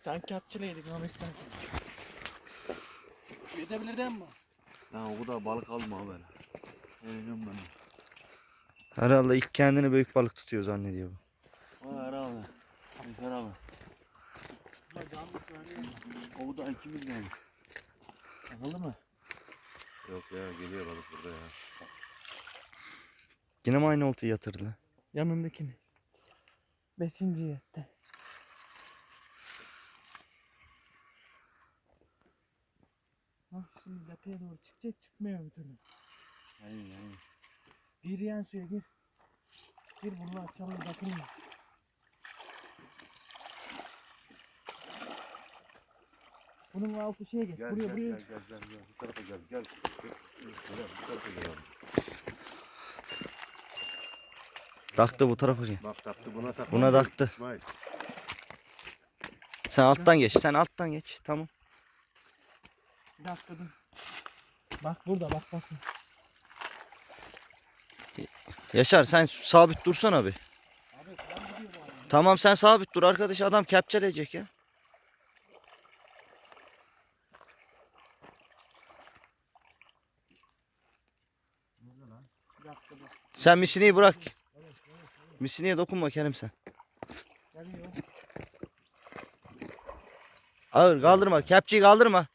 Sen kepçeleydik ama istersen. Yetebilir değil mi? Ya o kadar balık alma böyle. Eğleniyorum ben. Herhalde ilk kendini büyük balık tutuyor zannediyor bu. Vay herhalde. Yeter abi. Ama canlı söyleyeyim. O da ikimiz de. Takıldı mı? Yok ya geliyor balık burada ya. Yine mi aynı oltayı yatırdı? Yanındakini. 5. yetti. Ah şimdi tepeye doğru çıkacak çıkmıyor bir türlü. Aynen. Gir yan suya gir. Gir bunu açalım bakayım. Bunun altı şeye geç. Gel Buraya gel, buraya. gel gel gel gel. Bu tarafa gel gel. Gel bu tarafa gel abi. Taktı bu tarafa. Bak taktı buna taktı. Buna taktı. İsmail. Sen alttan geç. Sen alttan geç. Tamam. Bir dakika dur. Bak burada bak. Yaşar sen sabit dursana bir. Abi ben gidiyor bu arada. Tamam sen sabit dur arkadaş, adam kepçeleyecek ya. Bir dakika dur. Sen misineyi bırak. Misineye dokunma Kerim sen. Geliyor. Ağır kaldırma. Kepçeyi kaldırma.